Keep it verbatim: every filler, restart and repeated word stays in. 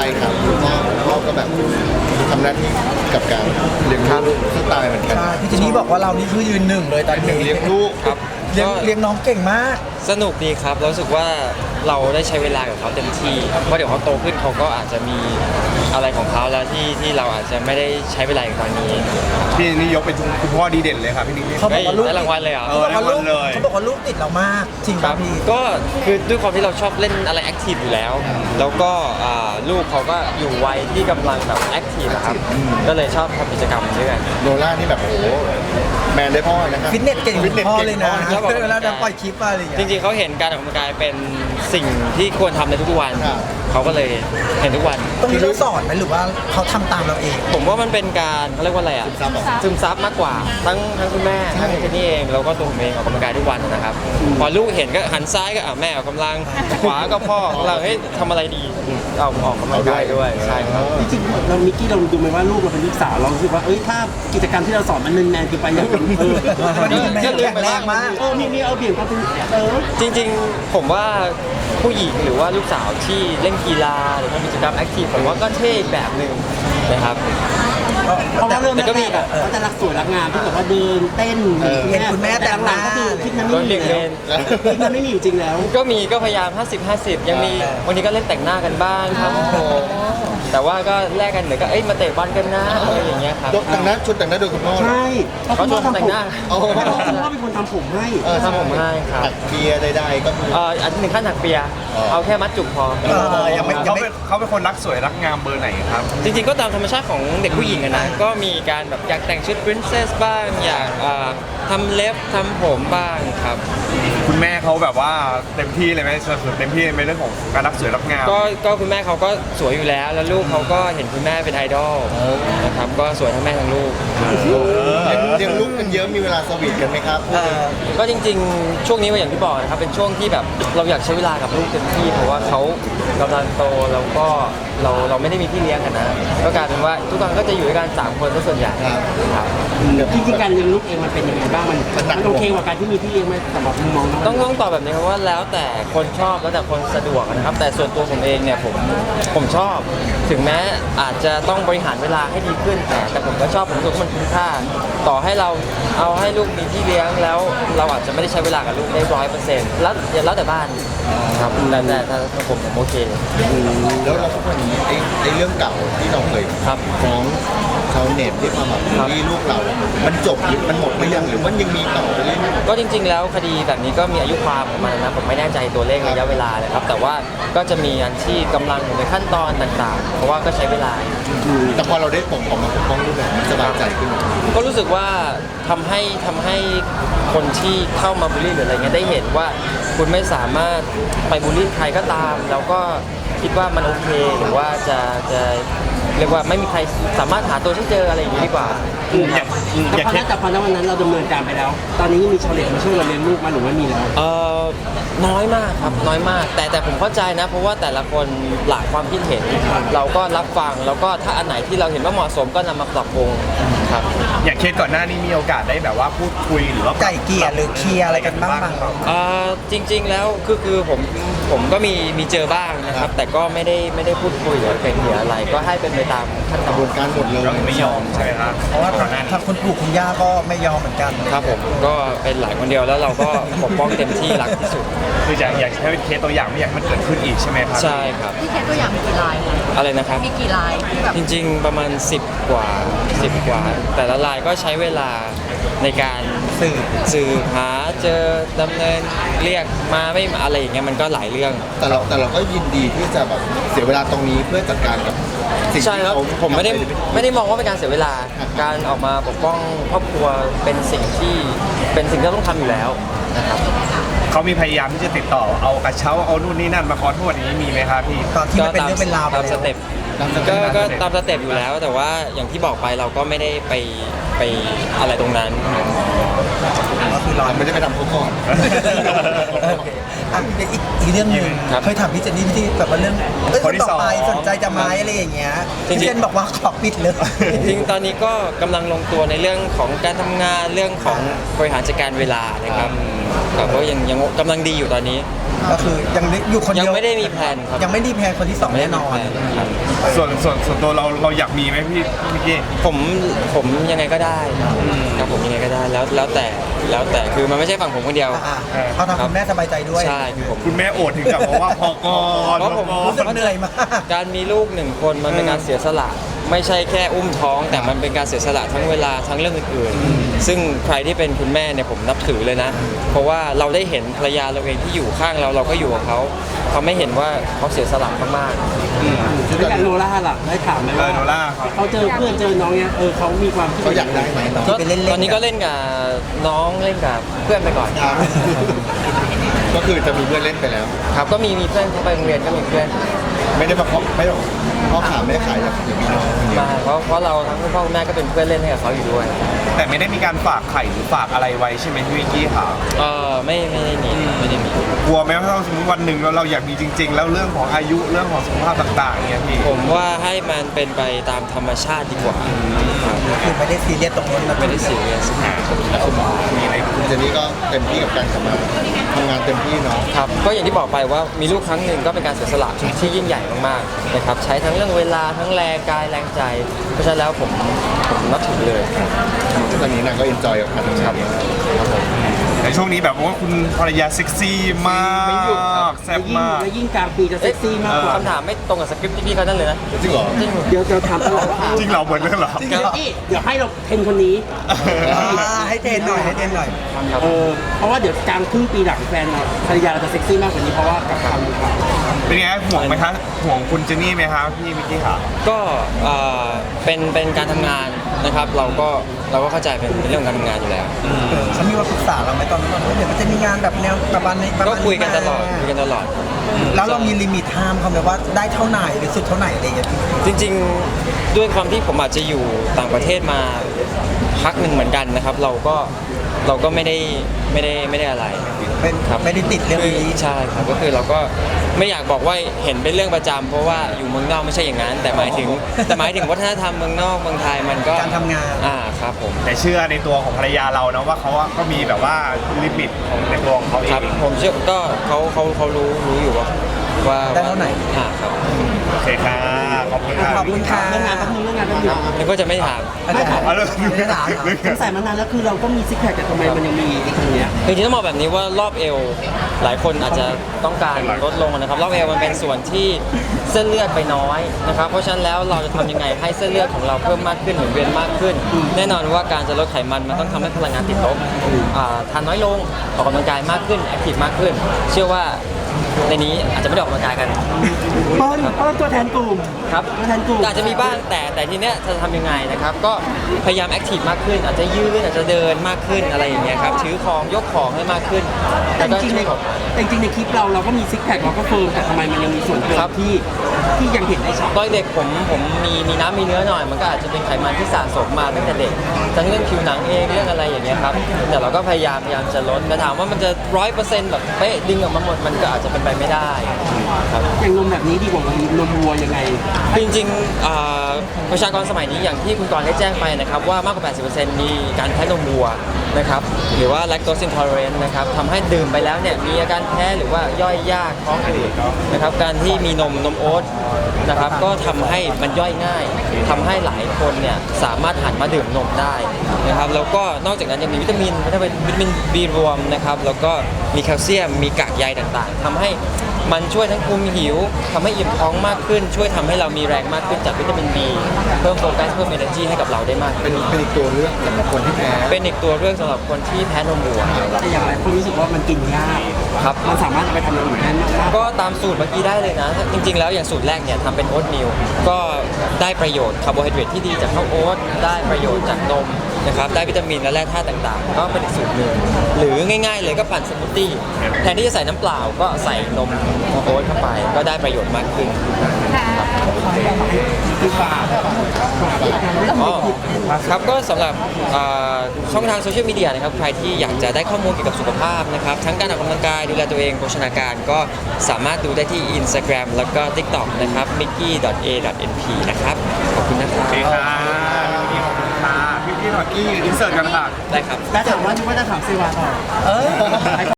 ครับคุณพ่อคุณพ่อก็แบบทำหน้าที่กับการเลี้ยงลูกสไตล์เหมือนกันใช่พี่เจนนี่บอกว่าเรานี่คือยืนหนึ่งเลยตอนนี้เลี้ยงลูกครับเลี้ยงก็เลี้ยงน้องเก่งมากสนุกดีครับเรารู้สึกว่าเราได้ใช้เวลากับเขาเต็มที่เพราะเดี๋ยวเขาโตขึ้นเขาก็อาจจะมีอะไรของเขาแล้วที่ที่เราอาจจะไม่ได้ใช้เวลาอย่างตอนนี้พี่นี่ยกเป็นคุณพ่อดีเด่นเลยครับพี่นิกเขาบอกว่าลูกได้รางวัลเลยเหรอเอเขาอบอกว่าลูกได้หมดเลยเขาบอกว่าลูกติดเรามากจริงคป่ะรับพี่ก็คือด้วยความที่เราชอบเล่นอะไรแอคทีฟอยู่แล้ว แล้วก็อ่าลูกเขาก็อยู่วัยที่กำลังแบบแอคทีฟอะครับก็เลยชอบทำกิจกรรมด้วยกันโนล่านี่แบบโอ้โหแมนได้พ่อนะครับฟิตเนสเก่งฟิตเนสพ่อเก่งเลยนะพ่อครับผมเวลาจะปล่อยคลิปอะไรอย่างจเงี้ยริงๆเขาเห็นการออกกำลังกายเป็นสิ่งที่ควรทำในทุกๆวันครับเขาก็เลยเห็นทุกวันตรงนี้เราสอนไหมหรือว่าเขาทำตามเราเองผมว่ามันเป็นการเขาเรียกว่าอะไรอ่ะซึมซับเหรอซึมซับมากกว่าทั้งทั้งคุณแม่ใช่ทั้งเจนนี่เองแล้วก็ตัวผมเองออกกำลังกายทุกวันนะครับพอลูกเห็นก็หันซ้ายก็อ่ะแม่ออกกำลังขวาก็พ่อออกกำลังเฮ้ยทำอะไรดีเอาออกกำลังกายด้วยใช่ครับจริงๆเรามิกกี้เราดูไหมว่าลูกเราเป็นลูกสาวเรารู้สึกว่าเอ้ยถ้ากิจกรรมที่เราสอนมันแนนๆเกินไปอย่างเออวันนี้แม่ก็ลืมแข็งไปแรบ้างงมากเออมีมีเอาเบี่ยงความเป็นเออจริงๆผมว่าผู้หญิงหรือว่าลูกสาวที่เล่นกีฬาหรือทำกิจกรรมแอคทีฟผมว่าก็เท่อีกแบบหนึ่งนะครับเพราะว่าเริ่มแต่ก็มีแรกๆอะเขาจะรักสวยรักงามที่แบบว่าเดินเต้นเออเห็นคุณแม่แต่งหน้าหลังๆก็คือคิดนั้นโดไม่นมีเด็กแล้เล่วน คิดนั้นไม่มีอยู่จริงแล้วก็มีก็พยายาม ห้าสิบ ห้าสิบ ยังมีวันนี้ก็เล่นแต่งหน้ากันบ้างครับผมแต่ว่าก็แลกกันเหมือนก็เอ้ยมาเตะบอลกันนะอะไรอย่างเงี้ยครับยกแต่งหน้าชุดแต่งหน้าโดยคุณพ่อเหรอใช่เขาชวนแต่งหน้าโอ้โหเพราะว่าคุณพ่อเป็นคนทำผมให้เออทำผมให้ครับตักเบียร์ใดๆก็มีเอ่ออันหนึ่งขั้นถักเปียอ๋อเอาแค่มัดจุกพอเออยังไม่ยังเขาไม่เป็นเขาเป็นคนรักสวยรักงามเบอร์ไหนครับจริงๆก็ตามธรรมชาติของเด็กผู้หญิงอะนะก็มีการแบบอยากแต่งชุด princess บ้างอยากเอ่อทำเล็บทำผมบ้างครับคุณแม่เขาแบบว่าเต็มที่เลยไหมสนับสนุนเต็มที่ในเรื่องของการรักสวยรักงามก็ก็คุณแม่เขาก็สวยอยู่แล้ว แล้วลูกเขาก็เห็นคุณแม่เป็นไอดอลนะครับก็สวยทั้งแม่ทั้งลูกเลี้ยงเลี้ยงลูกกันเยอะมีเวลาสวีทกันไหมครับเออก็จริงๆ ช่วงนี้ก็อย่างที่บอกนะครับเป็นช่วงที่แบบเราอยากใช้เวลากับลูกเต็มที่เพราะว่าเขากำลังโตแล้วก็เราเราไม่ได้มีพี่เลี้ยงกันนะก็กลายเป็นว่าทุกครั้งก็จะอยู่ด้วยกันสามคนซะส่วนใหญ่ครับครับจริงๆการเลี้ยงลูกเองมันเป็นยังไงบ้างมันมันโอเคกว่าการที่มีพี่เลี้ยงไหมสำหรับมุมมองน้องต้องต้องตอบแบบนี้ครับว่าแล้วแต่คนชอบแล้วแต่คนสะดวกนะครับ แต่ส่วนตัวผมเองเนี่ยผมผมชอบ ถึงแม้อาจจะต้องบริหารเวลาให้ดีขึ้นแต่แต่ผมก็ชอบผมรู้สึกว่ามันคุ้มค่า ต่อให้เราเอาให้ลูกมีพี่เลี้ยงแล้วเราอาจจะไม่ได้ใช้เวลากับลูกได้ร้อยเปอร์เซ็นต์แล้วแล้วแต่บ้านครับแต่แต่ถ้าผมผมโอเคแล้วเราทุกวันนี้ไอ้ไอ้เรื่องเก่าที่เราเคยครับฟ้องชาวเน็ตที่มาแบบบูลลี่ลูกเรา มันจบหรือมันหมดหรือยังหรือมันยังมีต่อไปเรื่อยก็จริงๆ แล้วคดีแบบนี้ก็มีอายุความของมันนะผมไม่แน่ใจตัวเลขระยะเวลาเลยครับแต่ว่าก็จะมีอันที่กำลังอยู่ในขั้นตอนต่างๆ เพราะว่าก็ใช้เวลาๆแต่พอเราได้ปกออกมาปกป้องลูกเรามันสบายใจขึ้นก็รู้สึกว่าทำให้ทำให้คนที่เข้ามาบูลลี่หรืออะไรเงี้ยได้เห็นว่าคุณไม่สามารถไปบูลลี่ใครก็ตาม แล้วก็คิดว่ามันโอเคหรือว่าจะจะเรียกว่าไม่มีใครสามารถหาตัวฉันเจออะไรอย่างนี้ดีกว่าอยากแต่อยากพอเช็นั้คนแต่พอนั้นวันนั้นเราดำเนินการไปแล้ว ตอนนี้ยังมีชาวเน็ตมาช่วยเราเลี้ยงลูกมาหรือว่ามีแล้วเอ่อน้อยมากครับน้อยมาก แต่แต่ผมเข้าใจนะ เพราะว่าแต่ละคนหลากความคิดเห็น เราก็รับฟังแล้วก็ถ้าอันไหนที่เราเห็นว่าเหมาะสมก็นำมาปรับปรุงครับอยากเคสก่อนหน้านี้มีโอกาสได้แบบว่าพูดคุยหรือว่าไก่เกลี่ยหรือเคลียร์อะไรกันบ้างไหมเอ่อจริงๆแล้วคือคือผมผมก็มีมีเจอบ้างนะครับ แต่ก็ไม่ได้ไม่ได้พูดคุยหรือเป็นเหตุอะไร ก็ให้เป็นไปตามขั้นกตอระบวนนการหมดเลยก็ไม่ยอมใช่ไหมครับเพราะว่าก่อนหน้านี้ทางคุณปู่คุณย่าก็ไม่ยอมเหมือนกันครับผมก็เป็นหลายคนเดียวแล้วเราก็ปกป้องเต็มที่รักที่สุดคืออยากอยากให้เป็นเคสตัวอย่างไม่อยากให้มันเกิดขึ้นอีกใช่ไหมครับใช่ครับพี่เคสตัวอย่างมีกี่ลายคะอะไรนะครับมีกี่ลายที่แบบจริงๆ ประมาณ สิบ กว่า สิบ กว่า แต่ละรายก็ใช้เวลาในการสื่อสืบหาเจอดำเนินเรียกมาไม่มาอะไรอย่างเงี้ยมันก็หลายเรื่องแต่เราแต่เราก็ยินดีที่จะแบบเสียเวลาตรงนี้เพื่อจัดการกับสิ่งใช่ที่ครับเขาผมไม่ได้ทำปไม่ได้มองว่าเป็นการเสียเวลา การออกมาปกป้องครอบครัวเป็นสิ่งที่เป็นสิ่งที่เราต้องทำอยู่แล้วนะครับเขามีพยายามที่จะติดต่อเอากระเช้าเอานู่นนี่นั่นมาขอโทษอย่างนี้มีไหมครับพี่ตอนที่มันเป็นเรื่องเป็นราวไปตามสแล้วเต็ปตามสก็เต็ปก็ตามสเต็ปอยู่แล้ว แต่ว่าอย่างที่บอกไปเราก็ไม่ได้ไปไปอะไรตรงนั้นก็คือรอเราไม่ได้ไปทำเขาก่อนเอออ่ะอีกอีกเรื่องหนึ่งครับเคยถามพี่เจนนี่ที่แบบว่าเรื่องเอ้ยคนที่ต่อไปสองสนใจจะไหมอะไรอย่างเงี้ยจริงๆพี่เจนบอกว่าขอปิดเลยจริงๆ ตอนนี้ก็กำลังลงตัวในเรื่องของการทำงานเรื่องของบริหารจัดการเวลานะครับครับก็ยังยังกำลังดีอยู่ตอนนี้ก็คือยังอยู่คนยัเดีงยวไม่ได้มีแผนครับยังไม่ได้แพลนคนที่สองไม่ได้แน่นมีอนแผนครับส่วนส่วนส่วนตัวเราเราอยากมีไหมพี่พี่มิกกี้ผมผมยังไงก็ได้ครับผมยังไงก็ได้แล้วแล้วแต่แล้วแต่คือมันไม่ใช่ฝั่งผมคนเดียวอ่าๆเอาทำคุณแม่สบายใจด้วยใช่คือผมคุณแม่โอดถึงกับบอกว่าพอก่อนเพราะผมพอรู้สึกก่อนเหนื่อยมากการมีลูกหนึ่งคนมันเป็นการเสียสละ ไม่ใช่แค่อุ้มท้อง แต่มันเป็นการเสียสละทั้งเวลาทั้งเรื่องอื่นๆซึ่งใครที่เป็นคุณแม่เนี่ยผมนับถือเลยนะ เพราะว่าเราได้เห็นภรรยาเราเองที่อยู่ข้างเราเราก็อยู่กับเขาเขาไม่เห็นว่าเขาเสียสละมากแล้วอย่างโนล่าล่ะได้ถามไหมเอว่าอโนล่าครับเขาเจอเพื่อนเจอน้องเนี้ยเออเขามีความคิดเขาอยากได้ไหมน้องๆก็ไปเล่นๆตอนนี้ก็เล่นกับน้องเล่นกับเพื่อนไปก่อนก็คือจะมีเพื่อนเล่นไปแล้วครับก็มีมีเพื่อนเขาไปโรงเรียนก็มีเพื่อนไม่ได้มาเคาะไม่ได้พ่อขาแม่ขายอย่างอย่างนี้เนาะมาเพราะเพราะเราทั้งคุณพ่อคุณแม่ก็เป็นเพื่อนเล่นให้กับเขาอยู่ด้วยแต่ไม่ได้มีการฝากไข่หรือฝากอะไรไว้ใช่ไหมพี่มิกกี้ค่ะเออไม่ไม่ได้มีไม่ได้มีกลัวไหมว่าถ้าสมมติวันหนึ่งเราเราอยากมีจริง ๆ แล้วเรื่องของอายุเรื่องของสุขภาพต่างๆเนี่ยพี่ผมว่าให้มันเป็นไปตามธรรมชาติดีกว่าครับคือไม่ได้ซีเรียสตรงนั้นนะไม่ได้ซีเรียสมีอะไรคุณเจนนี่ก็เต็มที่กับการกลับมาทำงานเต็มที่เนาะครับก็อย่างที่บอกไปว่ามีลูกครั้งหนึ่งก็เป็นการเสียสละที่ยิ่งใหญ่มากๆนะครับใช้ทั้งเรื่องเวลาทั้งแรงกายแรงใจ เพราะฉะนั้นแล้วผมผมนับถือเลยซึ่งตอนนี้นางก็เอนจอยกับการทำงานมากในช่วงนี้แบบว่าคุณภรรยาเซ็กซี่มากไม่หยุดครับแซ่บยิ่งมากและยิ่งกลางปีจะเซ็กซี่มากกว่าคำถามไม่ตรงกับสคริปต์ที่พี่เขานั่นเลยนะจริงเหรอจริงเดี๋ยวจะถามตลอดว่าจริงเหราเหมือนกันเหรอจริงเหรอนี่เดี๋ยวให้เราเทรนคนนี้อ่าให้เทรนหน่อยให้เทรนหน่อยครับเออเพราะว่าเดี๋ยวกลางครึ่งปีหลังแฟนเราภรรยาเราจะเซ็กซี่มากกว่านี้เพราะว่ากับความดีความเป็นไงห่วงไหมคะห่วงคุณเจนนี่ไหมคะพี่มิกกี้ค่ะก็เอ่อเป็นเป็นการทำงานนะครับ เราก็เราก็เข้าใจเป็นเป็นเรื่องของการทำงานอยู่แล้วเออเขามีว่าปรึกษาเราไหมตอนนั้นว่าเดี๋ยวมันจะมีงานแบบแนวประมาณนี้ประก็มาณคุยกันตลอดมาคุยกันตลอดแล้วเรามีลิมิตไทม์เขาไหมว่าได้เท่าไหนหรือสุดเท่าไหร่อะไรอย่างเงี้ยจริงๆด้วยความที่ผมอาจจะอยู่ต่างประเทศมาพักหนึ่งเหมือนกันนะครับ เราก็เราก็ไม่ได้ไม่ได้ไม่ได้อะไรเป็นครับไม่ได้ติดเรื่องคือนี้ใช่ครับก็คือเราก็ไม่อยากบอกว่าเห็นเป็นเรื่องประจำเพราะว่าอยู่เมืองนอกไม่ใช่อย่างนั้น แต่หมายถึงแต่หมายถึงวัฒนธรรมเมืองนอกเมืองไทยมันก็การทำงานอ่าครับผมแต่เชื่อในตัวของภรรยาเรานะว่าเขาอะก็มีแบบว่าลิมิตของในตัวของเขาเอครับงผมเชื่อก็เขาเขาเขารู้รู้อยู่ว่าว่าได้เท่าไหร่อ่าครับโอเคค่ะขอบคุณค่ะขอบคุณค่ะเรื่องงานแป๊บนึงเรื่องงานแป๊บนึงนึกว่าจะไม่ถามไม่ถามเอาเลยไม่ได้ถามเหรอสงสัยมานานแล้วคือเราก็มีซิกแพคแต่ทำไมมันยังมีอีกตรงเนี้ยจริงๆต้องบอกแบบนี้ว่ารอบเอวหลายคนอาจจะต้องการลดลงนะครับรอบเอวมันเป็นส่วนที่เส้นเลือดไปน้อยนะครับเพราะฉะนั้นแล้วเราจะทำยังไงให้เส้นเลือดของเราเพิ่มมากขึ้นหมุนเวียนมากขึ้น แน่นอนว่าการจะลดไขมันมันต้องทำให้พลังงานติดลบอ่าทานน้อยลงออกกำลังกายมากขึ้นแอคทีฟมากขึ้น เชื่อว่าในนี้อาจจะไม่ได้ออกกำลังกายกันเปิ้ลเปิ้ลตัวแทนกลุ่มครับตัวแทนกลุ่มอาจจะมีบ้างแต่แต่ทีเนี้ยจะทำยังไงนะครับก็พยายามแอคทีฟมากขึ้น อาจจะยืนอาจจะเดินมากขึ้นอะไรอย่างเงี้ยครับถือของยกของให้มากขึ้นแต่แล้วจก็ริงๆในช่วยแต่จริงๆในคลิปเราเราก็มีซิกแพคเราก็เฟิร์มแต่ทำไมมันยังมีส่วนเกินครับที่ที่ยังเห็นได้ชัดตอนเด็กผมผมมีมีน้ำมีเนื้อหน่อย มันก็อาจจะเป็นไขมันที่สะสมมาตั้งแต่เด็กทั้งเรื่องผิวหนังเองเรื่องอะไรอย่างเงี้ยครับแต่เราก็พยายามพยายามจะลดแต่ถามว่ามันจะร้อยเปอร์เซ็นต์แบบเป๊ะดึงออกมาหมดมันก็อาจจะเป็นไปไม่ได้ครับอย่างนมแบบนี้ดีกว่านมวัวยังไงจริงๆอ่าประชากรสมัยนี้อย่างที่คุณกรณ์ได้แจ้งไปนะครับว่ามากกว่า แปดสิบเปอร์เซ็นต์ มีการแพ้นมวัวนะครับหรือว่า lactose intolerant นะครับทำให้ดื่มไปแล้วเนี่ยมีอาการแพ้หรือว่าย่อยยากท้องอืดนะครับการที่มีนมนมโอ๊ตนะครับก็ทำให้มันย่อยง่ายทำให้หลายคนเนี่ยสามารถหันมาดื่มนมได้นะครับแล้วก็นอกจากนั้นยังมีวิตามินวิตามินวิตามิน B รวมนะครับแล้วก็มีแคลเซียมมีกากใยต่างๆทำให้มันช่วยทั้งคุมหิวทำให้อิ่มท้องมากขึ้น ช่วยทำให้เรามีแรงมากขึ้นจากวิตามิน B เพิ่มโฟกัสเพิ่ม energy ให้กับเราได้มากเป็ขึ้นนเป็นอีกตัวเลือกสำหรับคนที่แพ้เป็นอีกตัวเลือกสำหรับคนที่แพ้นมวัวแต่อย่างไรคนรู้สึกว่ามันกินยากครับมันสามารถเอาไปทำอย่างอื่นได้มากก็ตามสูตรเมื่อกี้ได้เลยนะ จริงๆแล้วอย่างสูตรแรกเนี่ยทำเป็นโอ๊ตมิลก็ได้ประโยชน์คาร์โบไฮเดรตที่ดีจากข้าวโอ๊ตได้ประโยชน์จากนมนะครับได้วิตามินและแร่ธาตุต่างๆ ก็เป็นอีกสูตรหนึ่งหรือง่ายๆเลยก็ปั่นสมูทตี้แทนที่จะใส่น้ำเปล่าก็ใส่นมโอ๊ตเข้าไปก็ได้ประโยชน์มากขึ้นคือฝากอ๋อครับก็สำหรับอ่าช่องทางโซเชียลมีเดียนะครับใครที่อยากจะได้ข้อมูลเกี่ยวกับสุขภาพนะครับทั้งการออกกำลังกายดูแลตัวเองโภชนาการก็สามารถดูได้ที่ Instagram แล้วก็ TikTok นะครับ mickey ดอท เอ ดอท เอ็น พี นะครับขอบคุณนะครัโอเคบค่ะพี่มิกกี้ขอบคุณค่ะพี่มิกกี้พี่หน่อยกี้อินเสิร์ตกันค่ะได้ครับแต่ถามว่านึกว่าจะถามเซวาต่อเออ